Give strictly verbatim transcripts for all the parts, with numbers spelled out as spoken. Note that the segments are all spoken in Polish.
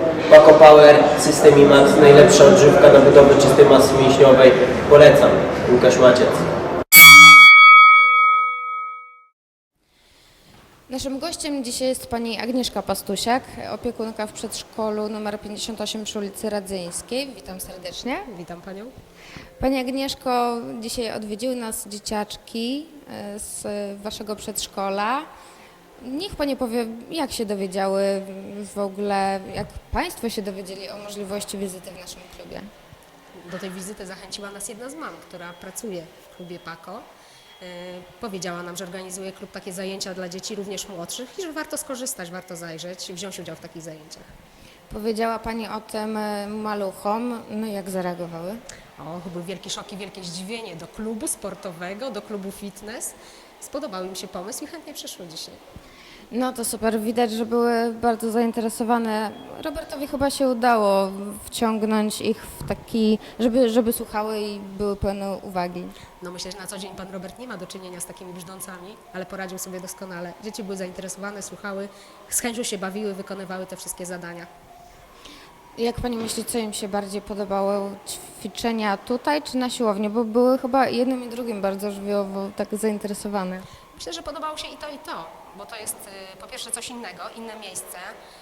Paco Power, System IMAX, najlepsza odżywka na budowę czystej masy mięśniowej. Polecam. Łukasz Maciec. Naszym gościem dzisiaj jest pani Agnieszka Pastusiak, opiekunka w przedszkolu nr pięćdziesiąt osiem przy ulicy Radzyńskiej. Witam serdecznie. Witam Panią. Pani Agnieszko, dzisiaj odwiedziły nas dzieciaczki z Waszego przedszkola. Niech Pani powie, jak się dowiedziały w ogóle, jak Państwo się dowiedzieli o możliwości wizyty w naszym klubie? Do tej wizyty zachęciła nas jedna z mam, która pracuje w klubie Paco. Powiedziała nam, że organizuje klub takie zajęcia dla dzieci również młodszych i że warto skorzystać, warto zajrzeć i wziąć udział w takich zajęciach. Powiedziała Pani o tym maluchom, no jak zareagowały? O, był wielki szok i wielkie zdziwienie do klubu sportowego, do klubu fitness. Spodobał im się pomysł i chętnie przyszły dzisiaj. No to super, widać, że były bardzo zainteresowane. Robertowi chyba się udało wciągnąć ich w taki, żeby, żeby słuchały i były pełne uwagi. No myślę, że na co dzień Pan Robert nie ma do czynienia z takimi brzdącami, ale poradził sobie doskonale. Dzieci były zainteresowane, słuchały, z chęcią się bawiły, wykonywały te wszystkie zadania. Jak Pani myśli, co im się bardziej podobało? Ćwiczenia tutaj czy na siłowni? Bo były chyba jednym i drugim bardzo żywiołowo tak zainteresowane. Myślę, że podobało się i to, i to, bo to jest y, po pierwsze coś innego, inne miejsce.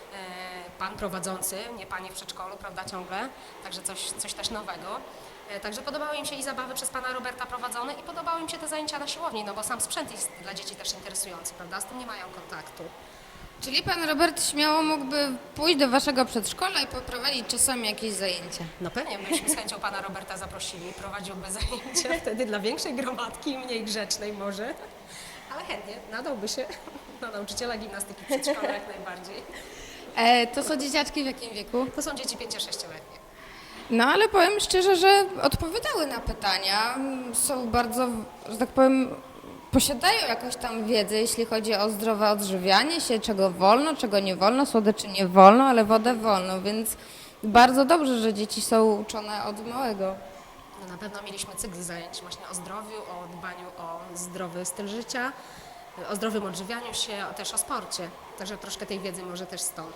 Y, pan prowadzący, nie Panie w przedszkolu, prawda, ciągle, także coś, coś też nowego. Y, także podobały im się i zabawy przez Pana Roberta prowadzone i podobały im się te zajęcia na siłowni, no bo sam sprzęt jest dla dzieci też interesujący, prawda, z tym nie mają kontaktu. Czyli Pan Robert śmiało mógłby pójść do Waszego przedszkola i poprowadzić czasami jakieś zajęcia? No pewnie, myśmy z chęcią Pana Roberta zaprosili, prowadziłby zajęcia wtedy dla większej gromadki, mniej grzecznej może, ale chętnie, nadałby się na nauczyciela gimnastyki w przedszkolu jak najbardziej. E, to są dzieciaczki w jakim wieku? To są dzieci pięcio-sześcioletnie. No ale powiem szczerze, że odpowiadały na pytania. Są bardzo, że tak powiem, posiadają jakąś tam wiedzę, jeśli chodzi o zdrowe odżywianie się, czego wolno, czego nie wolno, słodyczy nie wolno, ale wodę wolno, więc bardzo dobrze, że dzieci są uczone od małego. No na pewno mieliśmy cykl zajęć właśnie o zdrowiu, o dbaniu o zdrowy styl życia, o zdrowym odżywianiu się, a też o sporcie. Także troszkę tej wiedzy może też stąd.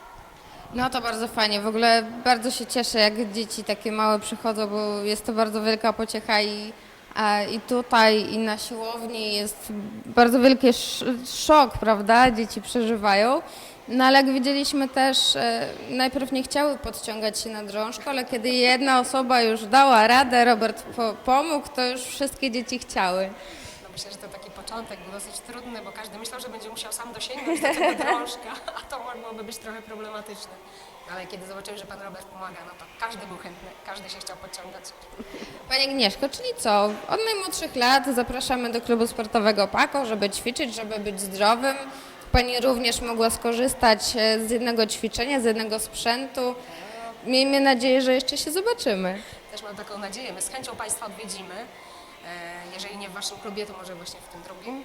No to bardzo fajnie, w ogóle bardzo się cieszę, jak dzieci takie małe przychodzą, bo jest to bardzo wielka pociecha i, a, i tutaj, i na siłowni jest bardzo wielki sz szok, prawda, dzieci przeżywają. No ale jak widzieliśmy też, e, najpierw nie chciały podciągać się na drążko, ale kiedy jedna osoba już dała radę, Robert po pomógł, to już wszystkie dzieci chciały. No myślę, że to taki początek był dosyć trudny, bo każdy myślał, że będzie musiał sam dosięgnąć do tego drążka, a to mogłoby być trochę problematyczne. Ale kiedy zobaczyły, że Pan Robert pomaga, no to każdy był chętny, każdy się chciał podciągać. Pani Agnieszko, czyli co? Od najmłodszych lat zapraszamy do klubu sportowego Paco, żeby ćwiczyć, żeby być zdrowym. Pani również mogła skorzystać z jednego ćwiczenia, z jednego sprzętu. Miejmy nadzieję, że jeszcze się zobaczymy. Też mam taką nadzieję, my z chęcią Państwa odwiedzimy. Jeżeli nie w Waszym klubie, to może właśnie w tym drugim.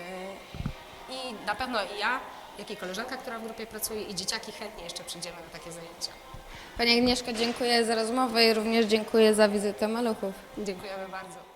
I na pewno i ja, jak i koleżanka, która w grupie pracuje, i dzieciaki chętnie jeszcze przyjdziemy na takie zajęcia. Pani Agnieszko, dziękuję za rozmowę i również dziękuję za wizytę maluchów. Dziękujemy bardzo.